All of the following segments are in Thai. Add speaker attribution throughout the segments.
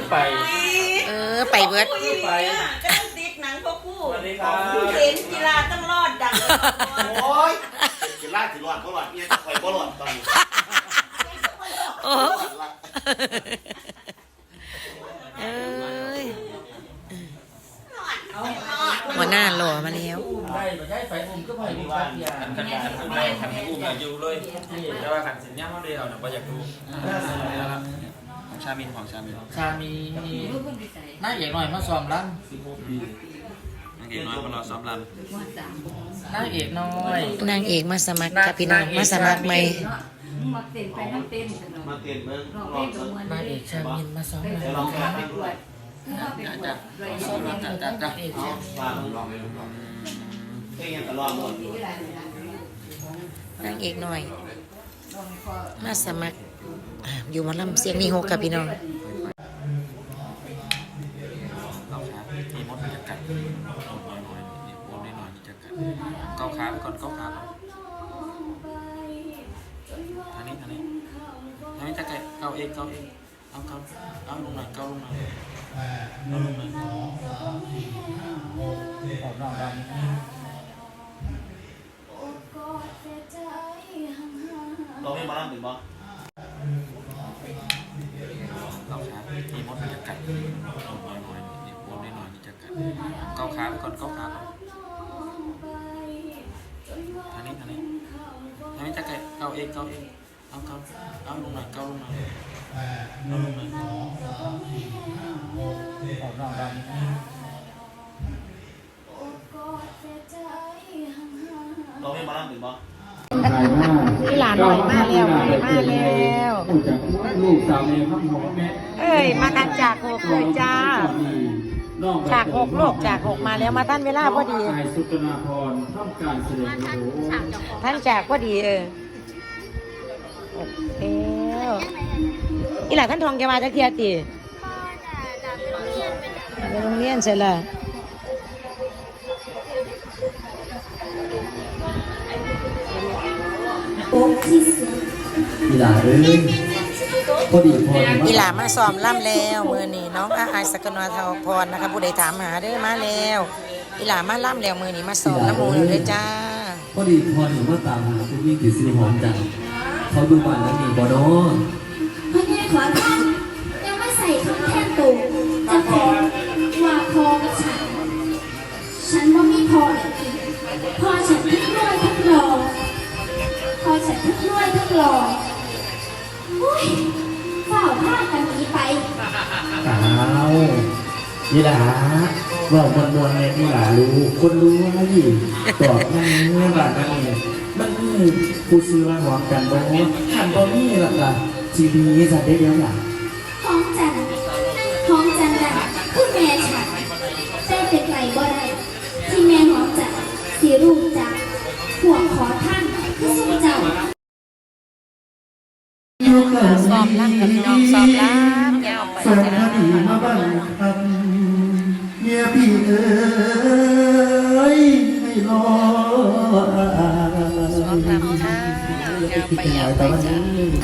Speaker 1: ไป
Speaker 2: ไปเบิด
Speaker 3: ไปก็ต้องติดหนังพวกคู่เห็นกีฬาต้องรอดดัง
Speaker 4: โอ้ยกีฬาสิรอดก็รอดเนี่ยคอยก็รอดตอนนี้
Speaker 2: โอ้หัวหน้าหล่อมาแล้ว
Speaker 1: ไปใช้ไฟอุ้มก็ไปดีว่าขันไม่ขันอุ้มอยู่เลยแต่ว่าขันสินย่าเขาเดียวนะว่าอยากดู
Speaker 4: ของชามิน
Speaker 1: น่าเอกหน่อยมาซ้อมรัน
Speaker 4: นางเอกน้อยมารอซ้อมรัน
Speaker 1: นางเอกน้อย
Speaker 2: นางเอกมาสมัครกับพี่น้องมาสมัครใหม่
Speaker 5: มาเต้นไปนั่งเต้น
Speaker 4: มาเต้นเมือง
Speaker 1: นางเอกชามินมาซ้อมรัน
Speaker 5: ลองแข่งไปด้วย
Speaker 1: ซ้อมรันจ้าเอก
Speaker 4: ลองเต้นตลอดหมด
Speaker 2: นางเอกหน่อยมาสมัครอยู่มาลำเสียงนี่หกกับพี่น้อง
Speaker 4: มีมดจะกัดน้อยๆวนน้อยๆจะกัดเกาขาก่อนเกาขาอันนี้จะกัดเกาเองเอาลงหน่อยเกาลงหน่อย
Speaker 1: ออกนอกดัง
Speaker 4: เราไม่บ้าหรือบ้าเราช้ามีมดจะกัดน้อยๆวนน้อยๆจะกัดเกาขาก่อนเกาขาอันนี้จะกัดเกาเองเอาลงหน่อยเกาลงหน่อย
Speaker 1: ออกนอกดัง
Speaker 4: เราไม่บ้าหรือบ้า
Speaker 2: พี่หลานหน่อยมาแล้ว
Speaker 1: ลูกสาวแม่ข้ามหัวแม่
Speaker 2: มากันจากหกเลยจ้าจากหกโลกจากหกมาแล้วมาท่านเวลาพอดี
Speaker 1: สุตนาพรท่ามการเสด็จ
Speaker 2: ท่านจากพอดีอีหล่ะท่านทองแกมาจากเทียตีไปโรงเรียนเสร็จแล้ว
Speaker 6: อีหลาพอดี
Speaker 2: อีหล่ามาซ้อมล่ำแล้วมือนี้น้องอาสกนวทองพรนะคะผู้ใดถามหาเด้อมาแล้วอีหล่ามาล่ำแล้วมือนี้มาซ้อมน้ำมูลเลยจ้า
Speaker 6: พอดีพรหนูมาตามหาคุณยิ่งถือซื้อหอมจังเขาดูบ้านแล้วมีบอโน่
Speaker 7: พ่อใหญ่ขอท่านยังไม่ใส่คำแท่นตูจะขอว่าพอกับฉันว่าไม่พอเลยพอฉันทั้งรวยทั้งหล่อพอฉันทั้งรวยทั้งหล่ออุ้ยเฝ้าผ้ากันนี้ไป
Speaker 6: นี่หลาบอกมวลเนี่ยนี่หลารู้คนรู้ว่าอยู่ตอบนั่นนี่บ้านนั่นเนี่ยมันนี่ผู้ซื้อมาหอมกันบอกว่าขันบอนี่หรอกล่ะทีวีจะได้เดียวหล่ะ
Speaker 7: ห้องจันดันคือแม่ฉันแต่เป็นไรบ่ได้ที่แม่หอมจันสีรูปจักห่วงขอท่านคือสุเจ้า
Speaker 2: ซ้อมล่ำกับน้องซ้อมล่ำยาวไป
Speaker 6: ส่งคดีมาบ้างครับเมียพี่ให้รอ
Speaker 2: ซ้อมล่ำค่ะยาวไปจ้า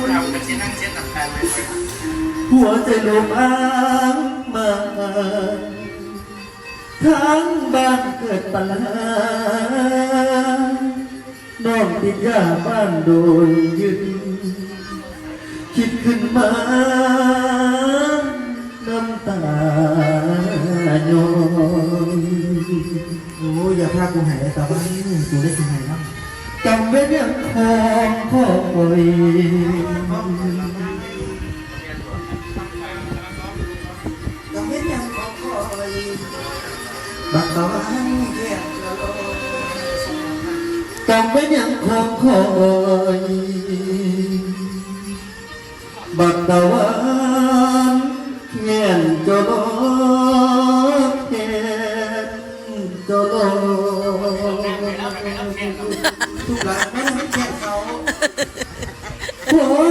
Speaker 6: หัวใจลมอ้างมาทั้งบ้านเกิดปัญหาน้องติดยาบ้านโดนยึดคิดขึ้นมาน้ำตาโยนโอ้อย่าพากูหายแต่ว่ากูได้สิ่งไหนบ้างจำไว้เรื่องของพ่อคอยจำไว้เรื่องของคอยบักตะวันแค่จำไว้เรื่องของคอยบักตะวันเงียนจโลเงียนจโลทุกหลังไม่ให้แก่เขาโอ้